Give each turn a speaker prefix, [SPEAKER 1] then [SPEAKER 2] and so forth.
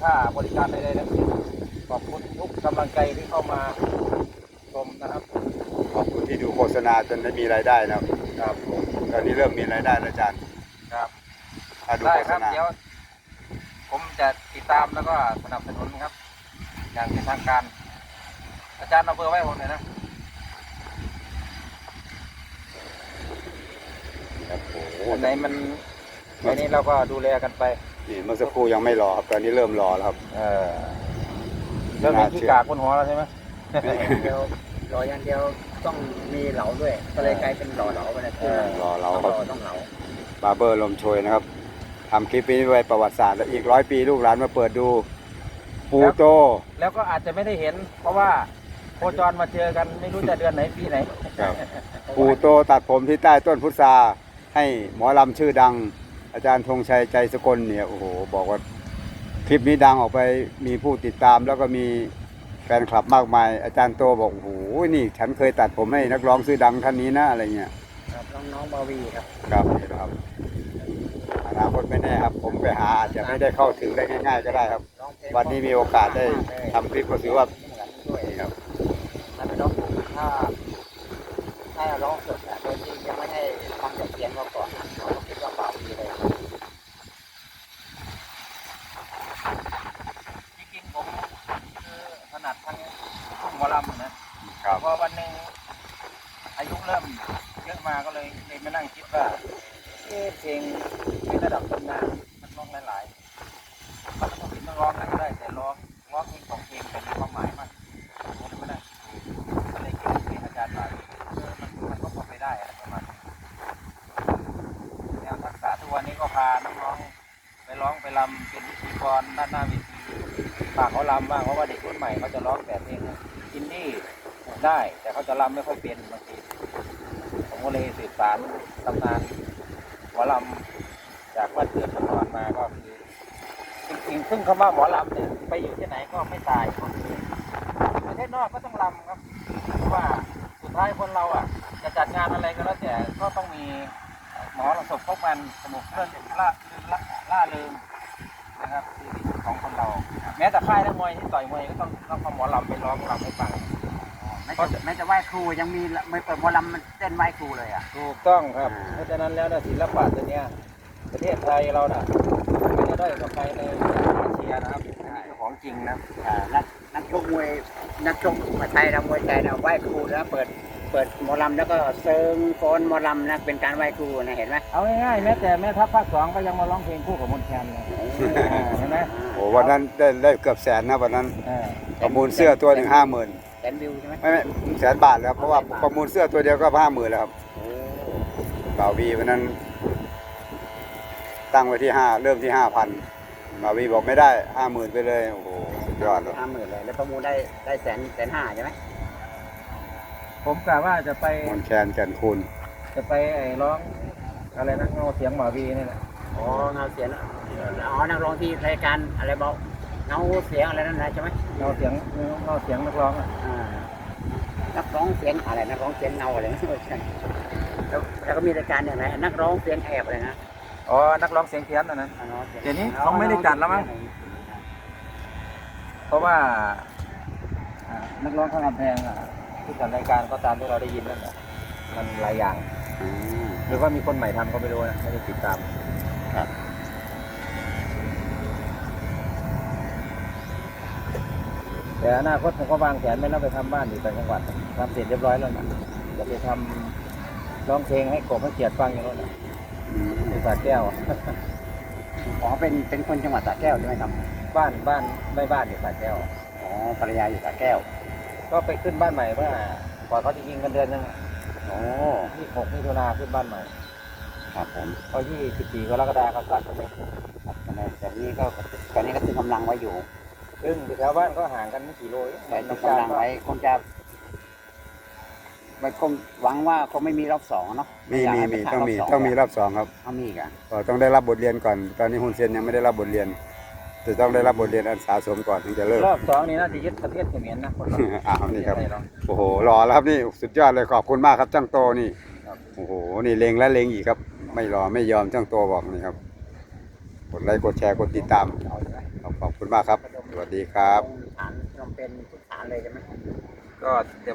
[SPEAKER 1] ค่าบริการใดๆทั้งสิ้นขอบคุณทุกกำลังใจที่เข้ามาชมนะครับ
[SPEAKER 2] ขอบคุณที่ดูโฆษณาจนได้มีรายได้นะครับ
[SPEAKER 1] ครับ
[SPEAKER 2] ตอนนี้เริ่มมีรายได้แล้วอาจารย์
[SPEAKER 1] ครับ
[SPEAKER 2] ถ้าดู
[SPEAKER 1] ได้
[SPEAKER 2] โฆ
[SPEAKER 1] ค
[SPEAKER 2] ษ
[SPEAKER 1] รับ
[SPEAKER 2] ณา
[SPEAKER 1] เดี๋ยวผมจะติดตามแล้วก็สนับสนุนครับ อย่างเป็นทางการ อาจารย์เอาเบอร์ไว้ผมหน่อยนะ
[SPEAKER 2] ครับโอ้โห
[SPEAKER 1] อันไหนมันอันนี้เราก็ดูแลกันไป
[SPEAKER 2] นี่เมื่อสักครู่ยังไม่รอครับตอนนี้เริ่มรอแล้วครับ
[SPEAKER 1] เริ่มมีขี้กากบนหัวแล้วใช่ไหม
[SPEAKER 3] เดียวหล่ออย่างเดียวต้องมีเหลาด้วยก็เลยกลายเป็นหล่อเหลาไปนะคือ
[SPEAKER 2] รอเรา
[SPEAKER 3] ต้อง
[SPEAKER 2] ค
[SPEAKER 3] ห
[SPEAKER 2] รับ
[SPEAKER 3] ล่อต้องเหลา
[SPEAKER 2] บาร์เบอร์ลมโชยนะครับทำคลิปนี้ไว้ประวัติศาสตร์แล้วอีก100 ปีลูกหลานมาเปิดดูปูโต
[SPEAKER 1] แล้วก็อาจจะไม่ได้เห็น เพราะว่าโคจรมาเจอกันไม่รู้จะเดือนไหนปีไหน
[SPEAKER 2] ปูโตตัดผมที่ใต้ต้นพุทราให้หมอลำชื่อดัง อาจารย์ธงชัยใจสกลเนี่ยโอ้โหบอกว่าคลิปนี้ดังออกไปมีผู้ติดตามแล้วก็มีแฟนคลับมากมาย อาจารย์โตบอกโอ้โหนี่ฉันเคยตัดผมให้นักร้องชื่อดังท่านนี้นะอะไรเงี้ย
[SPEAKER 3] ครับน้องบาวีครับ
[SPEAKER 2] ครับนี่นะครับอนาคตไม่แน่ครับ ผมไปหาอาจจะไม่ได้เข้าถึงได้ง่าย ๆ ก็ได้ครับ
[SPEAKER 3] ร้องเพลง
[SPEAKER 2] วันนี้มีโอกาสได้ทำคลิปก็ถือว่า
[SPEAKER 3] เหมือนด้วย
[SPEAKER 2] นี่ครับ
[SPEAKER 3] ถ้าไปร้องถ้าร้องสดโดยที่ยังไม่ให้ฟังจากเสียงเขาก่อนเขาก็คิดว่าบาวีเลย
[SPEAKER 1] จริงๆผมคือถนัดทั้งทุ่งหมอลำนะครับ พอวันหนึ่งอายุเริ่มเยอะมาก็เลยมานั่งคิดว่าเพลงในระดับตำนานมันร้องหลายๆมันต้องเป็นนักร้องนะก็ได้แต่ร้องเพลงของเพลงแต่มีความหมายมากผมไม่ได้ก็เลยเกี่ยวกับเพลงอาจารย์มามันก็พอไปได้อะไรประมาณนี้แนวทักษะทุกวันนี้ก็พาน้องๆไปร้องไปรำเป็นพิธีกรด้านหน้าเวทีฝากเขารำบ้างเพราะว่าเด็กรุ่นใหม่เขาจะร้องแต่เพลงอินดี้ได้ แต่เขาจะรำไม่ค่อยเป็นบางทีผมก็เลยสืบสานตำนานหมอลำจากบ้านเกิดเมืองนอนมาก็คือจริงๆซึ่งคำว่าหมอลำเนี่ยไปอยู่ที่ไหนก็ไม่ตายประเทศนอกก็ต้องรำครับเพราะว่าสุดท้ายคนเราอ่ะจะจัดงานอะไรก็แล้วแต่ก็ต้องมีหมอระสบพบกันสนุกเรื่องล่าเริงนะครับชีวิตของคนเรา แม้แต่ค่ายนักมวยที่ต่อยมวยก็ต้องเอาหมอลำไปร้องรำให้ฟัง
[SPEAKER 3] แม้จะไหว้ครูยังมีไม่เปิดหมอลำมันเต้นไหว้ครูเลยอ่ะ
[SPEAKER 1] ถูกต้องครับ เพราะฉะนั้นแล้วนะศิลปะตัวเนี้ยประเทศไทยเราน่ะไม่ได้ด้อยกว่าใครในอาเซียนะครับเป็นของจริงนะ
[SPEAKER 3] นักชกมวยนักชกมวยไทยนะมวยไทยนะไหว้ครูแล้วเปิดหมอลำแล้วก็เซิงฟ้อนหมอลำนะเป็นการไหว้ครูนะเห็นไหม
[SPEAKER 1] เอาง่ายๆแม้แต่แม่ทัพภาค2ก็ยังมาร้องเพลงคู่กับมนต์แคนเลยเห็นไหม
[SPEAKER 2] โอ้วันนั้นได้เกือบแสนนะวันนั้น
[SPEAKER 1] อ่า
[SPEAKER 2] ประมูลเสื้อตัวหนึ่ง50,000
[SPEAKER 3] แสนวิวใช่ไหม
[SPEAKER 2] ไม่100,000 บาทแล้วเพราะว่าประมูลเสื้อตัวเดียวก็50,000แล้วครับบ่าววีวันนั้น ตั้งไว้ที่5เริ่มที่5,000บ่าววีบอกไม่ได้50,000ไปเลยโอ้โหสุดยอดเลย
[SPEAKER 3] 50,000เลยแล้วประมูลได้แสนห้าใช่ไหม
[SPEAKER 1] ผมกะว่าจะไป
[SPEAKER 2] มนต์แคนแก่นคูณ
[SPEAKER 1] ร้องอะไรนะเงาเสียงหมอวีนี่แหละ
[SPEAKER 3] อ๋อเงาเสียงนักร้องที่รายการอะไรบอกเงาเสียงอะไรนั่นนะใช่ไหม
[SPEAKER 1] เงาเสียงนักร้องอ่ะ
[SPEAKER 3] นักร้องเสียงอะไรนักร้องเสียงเงาอะไรนะแล้วก็มีรายการอย่างไรนักร้องเสียงแอบอะไรนะ
[SPEAKER 1] อ๋อนักร้องเสียงเพี้ยนนะเดี๋ยวนี้เขาไม่ได้จัดแล้วมั้ง เพราะว่านักร้องข้างกำแพงที่จัดรายการก็ตามที่เราได้ยินนั่นแหละมันหลายอย่าง หรือว่ามีคนใหม่ทำก็ไม่รู้นะไม่ได้ติดตาม
[SPEAKER 2] ครับ
[SPEAKER 1] แต่อนาคตผมก็วางแผนไม่น่าไปทำบ้านอยู่ต่างจังหวัดทำเสร็จเรียบร้อยแล้วนะจะไปทำร้องเพลงให้กบให้เกียรติฟังอย่างนั้นนะที่สระแก้ว
[SPEAKER 3] อ๋อเป็นคนจังหวัดสระแก้วใช่ไหมครับ
[SPEAKER 1] บ้านไม่บ้านอยู่สระแก้ว
[SPEAKER 3] อ๋อภรรยาอยู่สระแก้ว
[SPEAKER 1] ก็ไปขึ้นบ้านใหม่เมื่อก่อนเขาจะยิงกันเดือนนึง
[SPEAKER 3] โอ้
[SPEAKER 1] 26 มิถุนาขึ้นบ้านใหม่
[SPEAKER 3] ครับผม
[SPEAKER 1] พอ24 กรกฎาคมก็ตัดกันไป
[SPEAKER 3] แต่นี้ก็ตอนนี้ก็ตึงกำลังไว้อยู่
[SPEAKER 1] ซึ่งแถวบ้านก็ห่างกันไม่กี่โลเอง
[SPEAKER 3] แต่ตึงกำลังไว้คงจะไม่คงหวังว่าคงไม่มีรอบสองเนาะ
[SPEAKER 2] มีต้องมีรอบ2ครับ
[SPEAKER 3] เอามีอีกัน
[SPEAKER 2] ก็ต้องได้รับบทเรียนก่อน ตอนนี้ฮุนเซนยังไม่ได้รับบทเรียนจะต้องได้รับบทเรียนอันสะสมก่อนถึงจะเลิก
[SPEAKER 1] รอบ2นี่น่าจะยึดประเทศเขมรนะคนเรา
[SPEAKER 2] อ้าวนี่ครับ
[SPEAKER 1] ไม่ใช่หรอก
[SPEAKER 2] โอ้โหรอแล้วครับนี่สุดยอดเลยขอบคุณมากครับจ้างโตนี่
[SPEAKER 1] ครับ
[SPEAKER 2] โอ้โหนี่เลงและเลงอีกครับ ไม่รอไม่ยอมจ้างโตบอกนี่ครับกดไลค์กดแชร์กดติดตาม
[SPEAKER 3] เอาใช่ไหม
[SPEAKER 2] ขอบขอบคุณมากครับ สวัสดีครับ
[SPEAKER 3] ฐานลงเป็นทุกฐานเลยใช่ไหม
[SPEAKER 1] ก็เดี๋ยว